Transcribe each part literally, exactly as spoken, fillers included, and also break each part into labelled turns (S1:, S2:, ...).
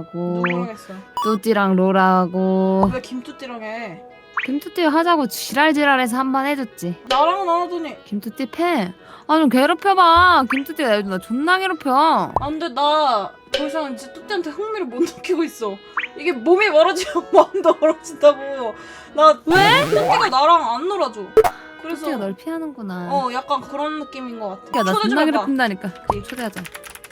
S1: 하고
S2: 누구랑 했어?
S1: 뚜띠랑 로라하고.
S2: 왜 김뚜띠랑 해?
S1: 김뚜띠 하자고 지랄지랄해서 한 번 해줬지.
S2: 나랑은 안 하더니.
S1: 김뚜띠 패. 아 좀 괴롭혀봐. 김뚜띠가 요즘 나 존나 괴롭혀.
S2: 안돼, 나 더 이상 이제 뚜띠한테 흥미를 못 느끼고 있어. 이게 몸이 멀어지면 마음도 멀어진다고. 나 왜? 뚜띠가 나랑 안 놀아줘. 그래서
S1: 뚜띠가 널 피하는구나.
S2: 어 약간 그런 느낌인 것 같아.
S1: 야, 나
S2: 초대 좀
S1: 존나
S2: 해봐.
S1: 괴롭힌다니까. 초대하자.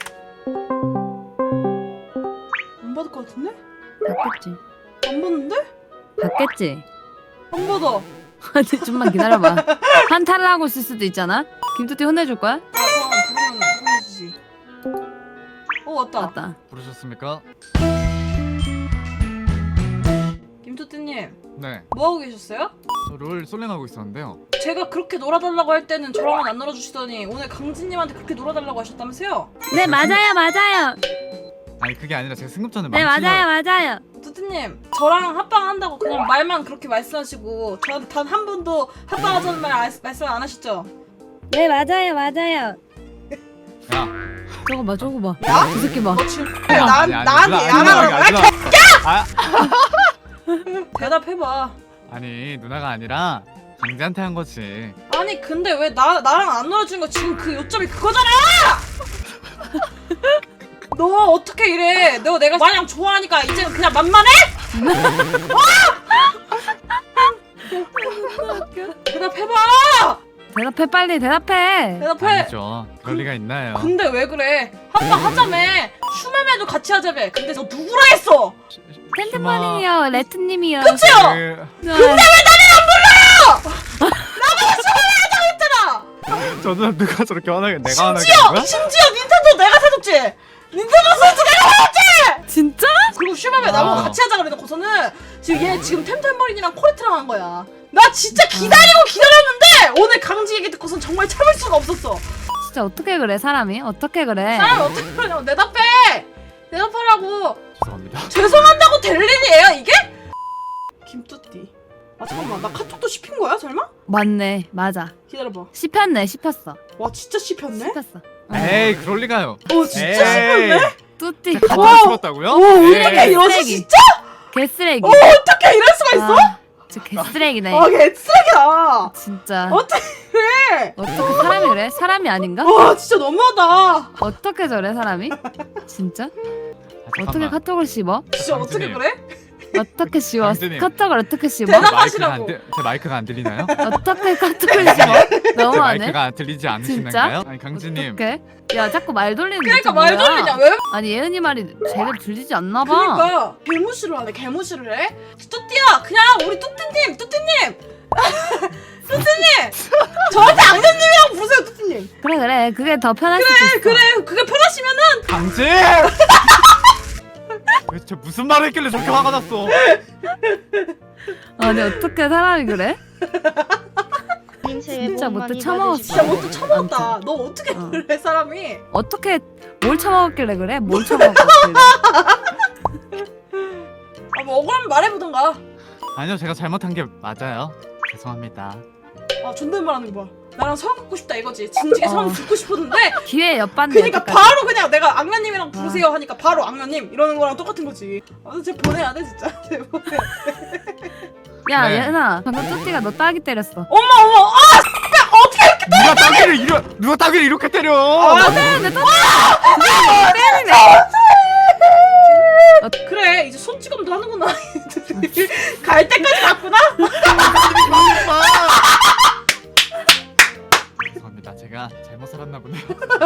S2: 안 받을 것 같은데?
S1: 받겠지.
S2: 안 받는데?
S1: 받겠지.
S2: 안 받아.
S1: 아니 좀만 기다려봐. 한타를 하고 있을 수도 있잖아. 김뚜띠 혼내줄 거야?
S2: 아 그럼 부르면 혼내주지. 어 왔다.
S1: 맞다.
S3: 부르셨습니까?
S2: 김뚜띠님
S3: 네.
S2: 뭐 하고 계셨어요?
S3: 저 롤 솔랭하고 있었는데요.
S2: 제가 그렇게 놀아달라고 할 때는 저랑은 안 놀아주시더니 오늘 강진님한테 그렇게 놀아달라고 하셨다면서요?
S1: 네 맞아요 맞아요.
S3: 아니 그게 아니라 제가 승급전에
S1: 네 맞아요 맞아요.
S2: 뚜띠님 저랑 합방한다고 그냥 말만 그렇게 말씀하시고 저한테 단 한 번도 합방하자는 말 아, 말씀 안 하셨죠?
S1: 네 맞아요 맞아요.
S3: 야.
S1: 저거 봐 저거 봐.
S2: 야?
S1: 이 새끼 봐.
S2: 너 지금
S3: 야,
S2: 나,
S3: 아니, 아니,
S2: 나한테
S3: 누나, 아니,
S2: 야나라고
S3: 아니,
S2: 해?
S3: 아,
S2: 대답해봐.
S3: 아니 누나가 아니라 강재한테 한 거지.
S2: 아니 근데 왜 나, 나랑 안 놀아주는 거 지금 그 요점이 그거잖아! 너 어떻게 이래? 너 내가 마냥 좋아하니까 이제는 그냥 만만해? 대답해봐!
S1: 대답해 빨리 대답해.
S2: 대답해!
S3: 아니죠. 그럴 리가 있나요?
S2: 근데 왜 그래? 합방 하자며! 슈메메도 같이 하자며! 근데 너 누구라 했어?
S1: 텐트머니요 레트님이요.
S2: 그치요?
S3: 그...
S1: 근데 왜
S2: 했잖아!
S3: 저 누나 누가 저렇게 화나게 내가 화나게
S2: 심지어!
S3: 한 거야?
S2: 심지어 닌텐도 내가 사줬지! 닌텐도 스위치 내가 사줬지!
S1: 진짜?
S2: 그리고 슈메메
S3: 아.
S2: 나보고 같이 하자 그래놓고서는 지금 얘 지금 템템버린이랑 코레트랑 한 거야. 나 진짜 기다리고 기다렸는데 오늘 강지 얘기 듣고선 정말 참을 수가 없었어.
S1: 진짜 어떻게 그래 사람이? 어떻게 그래?
S2: 사람이 어떻게 그러냐고. 대답해! 대답하라고.
S3: 죄송합니다.
S2: 죄송한다고 될 일이에요 이게? 김뚜띠. 아 잠깐만 나 카톡도 씹힌 거야 설마?
S1: 맞네 맞아.
S2: 기다려봐.
S1: 씹혔네 씹혔어.
S2: 와 진짜 씹혔네?
S1: 씹혔어.
S3: 에이 그럴 리가요.
S2: 어 진짜 씹혔네?
S1: 뚜띠
S3: 같이
S2: 와.
S3: 씹었다고요?
S2: 오 어떻게
S3: 에이.
S2: 이러지
S1: 쓰레기.
S2: 진짜?
S1: 개쓰레기.
S2: 어 어떻게 이럴 수가 있어?
S1: 아, 진짜 개쓰레기네.
S2: 아 개쓰레기야.
S1: 진짜.
S2: 어떻게 그래?
S1: 어떻게 사람이 그래? 사람이 아닌가?
S2: 와 진짜 너무하다.
S1: 어떻게 저래 사람이? 진짜?
S3: 아,
S1: 어떻게
S3: 잠깐만.
S1: 카톡을 씹어?
S2: 진짜 어떻게
S3: 강진님.
S2: 그래?
S1: 어떻게 씹어?
S3: 강진님.
S1: 카톡을 어떻게 씹어?
S2: 대답-
S3: 제 마이크가 안,
S2: 하시라고.
S3: 들- 제 마이크가 안 들리나요?
S1: 어떻게 카톡을 씹어?
S3: 제
S1: 너무하네.
S3: 마이크가 들리지 않으시는가요? 아니 강진님.
S1: 어떡해? 야 자꾸 말 돌리는
S2: 그러니까
S1: 게
S2: 말
S1: 뭐야?
S2: 돌리냐 왜?
S1: 아니 예은이 말이 제대로 들리지 않나 봐.
S2: 그러니까 개무시를 하네 개무시를 해? 뚜띠야 그냥 우리 뚜띠님 뚜띠님 뚜띠님 저한테 악녀님이라고 부르세요 뚜띠님.
S1: 그래 그래 그게 더 편할 수도
S2: 그래
S1: 있어.
S2: 그래 그게 편하시면은
S3: 강진! 도대체 무슨 말을 했길래 저렇게 화가 났어?
S1: 아니 어떻게 사람이 그래?
S4: 진짜
S1: 진짜 못돼
S2: 진짜
S1: 처먹었어.
S2: 뭐또 처먹었다. 너 어떻게
S1: 어.
S2: 그래 사람이?
S1: 어떻게 뭘 처먹었길래 그래? 뭘 처먹었길래?
S2: 아뭐 억울하면 말해보던가.
S3: 아니요 제가 잘못한 게 맞아요. 죄송합니다.
S2: 아 존댓말하는 거 봐. 나랑 성 긋고 싶다 이거지. 진지하게 성
S1: 어.
S2: 듣고 싶었는데
S1: 기회 엿봤네.
S2: 그니까
S1: 여태까지.
S2: 바로 그냥 내가 악녀님이랑 부르세요 하니까 바로 악녀님 이러는 거랑 똑같은 거지. 아쟤 보내야 돼 진짜. 쟤 보내야 돼.
S1: 야
S3: 네.
S1: 예은아 방금 뚜띠가 너 따기 때렸어.
S2: 어머 어머 아 진짜 어떻게 이렇게
S3: 누가 따귀를 이러 누가 따귀를 이렇게 때려?
S2: 아,
S1: 네, 내 뚜띠.
S2: 그래 이제 손찌검도 하는구나. 갈 때까지 갔구나.
S3: 죄송합니다. 제가 잘못 살았나 보네요.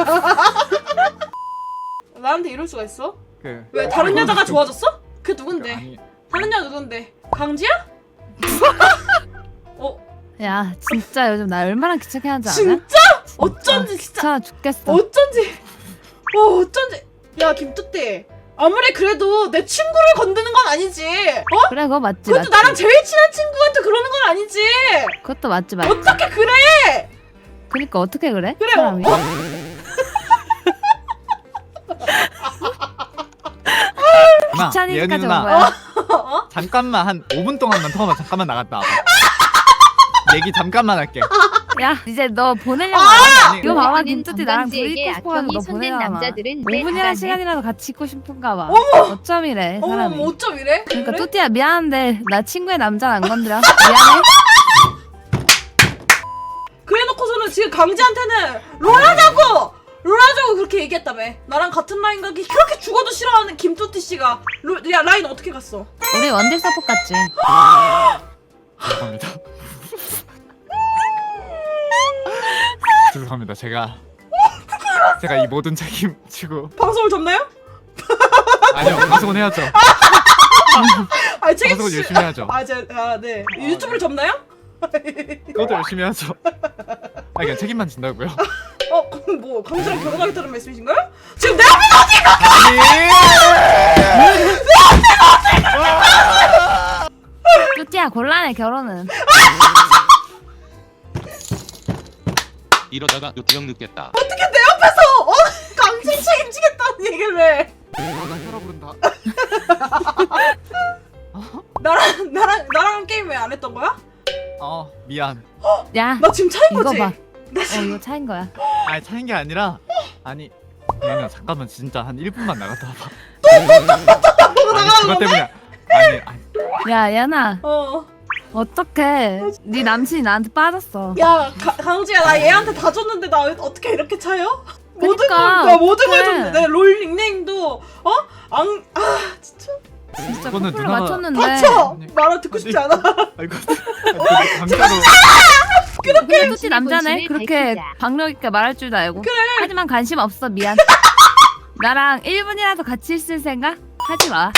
S2: 나한테 이럴 수가 있어?
S3: 그
S2: 왜 다른 여자가 좋아졌어? 그 누군데?
S3: 아니
S2: 다른 여자 누군데? 강지야? 어
S1: 야 진짜 요즘 나 얼마나 귀찮게 하는지 알아?
S2: 진짜? 어쩐지 진짜
S1: 귀찮아 죽겠어.
S2: 어쩐지 어 어쩐지 야 김뚜띠 아무리 그래도 내 친구를 건드는 건 아니지 어?
S1: 그래 그거 맞지
S2: 그것도
S1: 맞지.
S2: 나랑 제일 친한 친구한테 그러는 건 아니지
S1: 그것도 맞지 맞지.
S2: 어떻게 그래
S1: 그니까 어떻게 그래?
S2: 그래
S1: 사람이?
S2: 어?
S3: 누나,
S1: 귀찮으니까
S3: 예은이
S1: 온
S3: 누나
S1: 거야.
S2: 어?
S3: 잠깐만 한 오 분 동안만 통화만 잠깐만 나갔다 와봐. 얘기 잠깐만 할게.
S1: 야 이제 너 보내려고.
S2: 아!
S1: 이거 봐봐
S4: 우리는
S1: 김뚜띠 나랑 둘이
S4: 건방지에게
S1: 있고 싶어가지고
S4: 악평이
S1: 너
S4: 손댄
S1: 보내려고.
S4: 남자들은 왜
S1: 오 분이란
S4: 알아내?
S1: 시간이라도 같이 있고 싶은가 봐.
S2: 어머!
S1: 어쩜이래
S2: 어머
S1: 사람이.
S2: 어쩜 이래?
S1: 그러니까
S2: 그래?
S1: 뚜띠야 미안한데 나 친구의 남자를 안 건드려. 미안해.
S2: 그래놓고서는 지금 강지한테는 롤하자고! 롤하자고 그렇게 얘기했다며. 나랑 같은 라인 가기 그렇게 죽어도 싫어하는 김뚜띠 씨가 롤, 야 라인 어떻게 갔어?
S1: 우리 원딜 서포트 같지.
S3: 죄송합니다. 죄송합니다. 제가 제가 이 모든 책임 지고
S2: 방송을 접나요?
S3: 아니요 방송은 해야죠.
S2: 아니 책임
S3: 방송은
S2: 씨-
S3: 열심히 해야죠.
S2: 아, 제, 아, 네. 유튜브를 접나요?
S3: 그것도 열심히 해야죠. 아 그냥 책임만 진다고요.
S2: 어, 그럼 뭐 강지랑 결혼하겠다는 말씀이신가요? 지금 내 앞에
S1: 뚜띠야 곤란해 결혼은.
S5: 이러다가 요트형 늦겠다.
S2: 어떻게 내 앞에서 어 강지 책임지겠다는 얘기를 해?
S3: 아나 혈압 오른다.
S2: 나랑 나랑 나랑 게임 왜 안 했던 거야?
S3: 어 미안.
S1: 야
S2: 나 지금 차인
S1: 이거
S2: 거지?
S1: 봐.
S2: 나
S1: 어
S2: 지금
S1: 이거 차인 거야.
S3: 아니 차인 게 아니라 아니 미안해 잠깐만 진짜 한 일 분만 나갔다 와봐. 아니 그것 때문에 아니 아니
S1: 야 야나
S2: 어.
S1: 어떡해. 네 남친이 나한테 빠졌어.
S2: 야 가, 강지야 나 얘한테 다 줬는데 나 왜- 어떻게 이렇게 차요? 모든 걸,
S1: 그니까,
S2: 나 모든 걸
S1: 어떡해.
S2: 줬는데 내 롤 닉네임도 어? 앙, 아 진짜
S1: 진짜
S3: 그거는
S1: 커플로
S3: 누나가-
S1: 맞췄는데.
S2: 닥쳐!
S3: 아니.
S2: 말을 듣고 싶지 않아.
S3: 아이고 강자로
S1: 근데 뚜띠 남자네.
S4: 본심을
S1: 그렇게
S4: 밝히자.
S1: 박력 있게 말할 줄도 알고. 하지만 관심 없어 미안. 나랑 일 분이라도 같이 있을 생각 하지 마.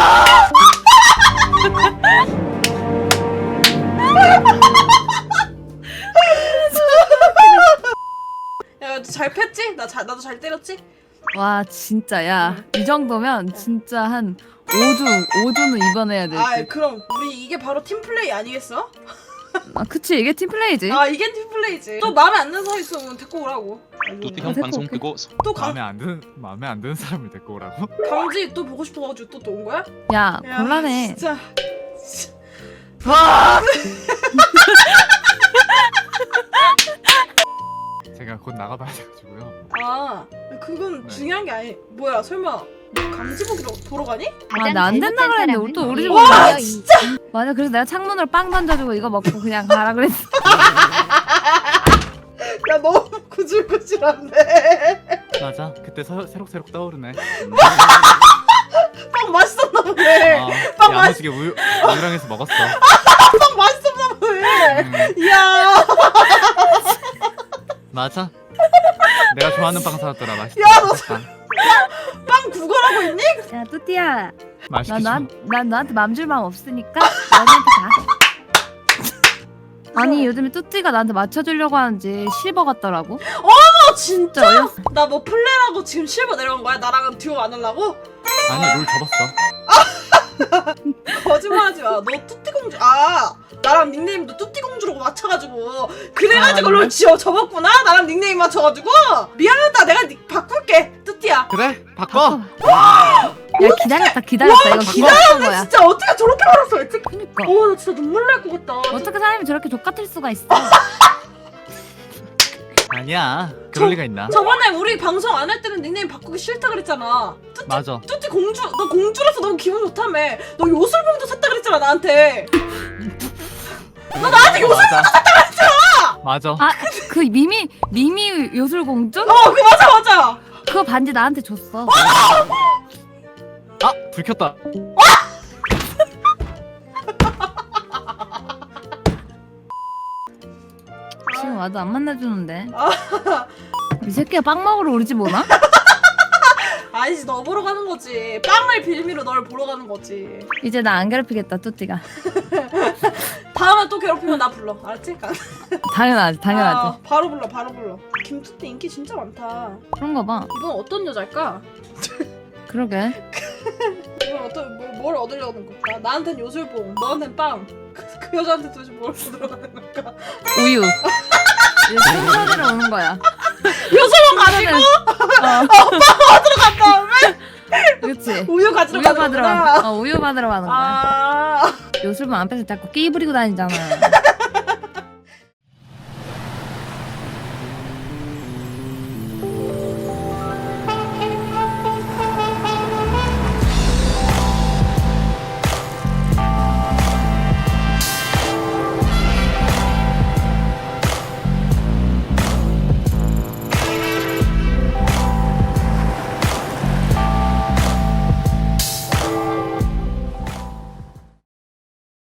S2: 야, 잘 팼지? 나 잘, 나도 잘 때렸지?
S1: 와 진짜 야 이 정도면 진짜 한 오 주 오 주는 입원해야 될
S2: 아,
S1: 듯.
S2: 그럼 우리 이게 바로 팀플레이 아니겠어?
S1: 아 그치 이게 팀플레이지.
S2: 아, 이게 팀플레이지. 또 마음에 안 드는 사람 있으면 데리고 오라고.
S5: 요트형
S1: 어색해,
S5: 방송
S1: 어색해.
S5: 끄고
S2: 또 강,
S3: 마음에 안 드는 마음에 안 드는 사람을 데리고 오라고?
S2: 강지 또 보고 싶어가지고 또 또 온 거야?
S1: 야
S2: 야,
S1: 곤란해.
S2: 진짜. 와!
S3: 제가 곧 나가봐야 돼가지고요.
S2: 아, 그건
S3: 네.
S2: 중요한 게 아니. 뭐야, 설마 너 강지 보기로 보러 가니?
S1: 아, 나안 된다 그랬는데 우리 또 우리 집
S2: 와,
S1: 오는 거야.
S2: 진짜.
S1: 맞아 그래서 내가 창문으로 빵 던져주고 이거 먹고 그냥 가라 그랬어.
S2: 야, 너무 구질구질한데.
S3: 맞아. 그때 서, 새록새록 떠오르네.
S2: 빵 맛있었나 보네.
S3: 아,
S2: 빵
S3: 야무지게 우유 우유랑 해서 먹었어.
S2: 빵 맛있었나 보네.
S3: 음,
S2: 이야.
S3: 맞아. 내가 좋아하는 빵 사왔더라. 맛있다.
S2: 야, 너
S3: 빵.
S2: 빵 구걸하고 있니?
S1: 야 뚜띠야
S3: 맛있게
S1: 나,
S3: 줘.
S1: 나, 난 너한테 맘 줄 마음 없으니까 너한테 가. 아니 요즘에 뚜띠가 나한테 맞춰주려고 하는지 실버 같더라고.
S2: 어, 진짜?
S1: 진짜 어이없어.
S2: 나 뭐 플레라고 지금 실버 내려간 거야? 나랑은 듀오 안 하려고?
S3: 아니 롤 접었어.
S2: 거짓말하지 마. 너 뚜띠 공주. 아, 나랑 닉네임도 뚜띠 공주라고 맞춰가지고 그래가지고
S1: 아,
S2: 롤
S1: 그래?
S2: 지어 접었구나. 나랑 닉네임 맞춰가지고 미안하다. 내가 니, 바꿀게. 뚜띠야.
S3: 그래? 바꿔.
S1: 야 기다렸다 기다렸다 이거 기다렸던 거야.
S2: 진짜 어떻게 저렇게 말았어? 했지?
S1: 그니까
S2: 어, 나 진짜 눈물 날 것 같다.
S1: 어떻게 사람이 저렇게 족같을 수가 있어.
S3: 아니야. 그럴 리가 있나?
S2: 저번에 우리 방송 안 할 때는 닉네임 바꾸기 싫다 그랬잖아. 뚜띠,
S3: 맞아.
S2: 뚜띠 공주. 너 공주라서 너무 기분 좋다며. 너 요술봉도 샀다 그랬잖아 나한테. 너 나한테 요술.
S3: 맞아. 맞아.
S1: 아 그 미미 미미 요술공주?
S2: 어, 그 맞아 맞아.
S1: 그거 반지 나한테 줬어.
S3: 아 들켰다.
S1: 지금 와도 안 만나주는데.
S2: 아.
S1: 이 새끼가 빵 먹으러 우리 집 오나?
S2: 아니지, 너 보러 가는 거지. 빵을 빌미로 널 보러 가는 거지.
S1: 이제 나 안 괴롭히겠다 뚜띠가.
S2: 다음에 또 괴롭히면 나 불러. 알았지?
S1: 당연하지 당연하지.
S2: 아, 바로 불러, 바로 불러. 김투띠 인기 진짜 많다.
S1: 그런 거 봐.
S2: 이건 어떤 여자일까?
S1: 그러게.
S2: 이건 어떤 뭐, 뭘 얻으려는 걸까? 나한텐 요술봉, 너한텐 빵. 그, 그 여자한테 도대체 뭘 얻으려는 걸까?
S1: 우유. 이제 순서대로 오는 거야.
S2: 요술봉 가지고
S1: 어.
S2: 간 다음에
S1: 그렇지.
S2: 우유 가지러
S1: 우유
S2: 가는
S1: 받으러
S2: 거구나.
S1: 가. 어 우유 받으러 가는 거야.
S2: 아,
S1: 요술봉 안 빼서 자꾸 끼 부리고 다니잖아.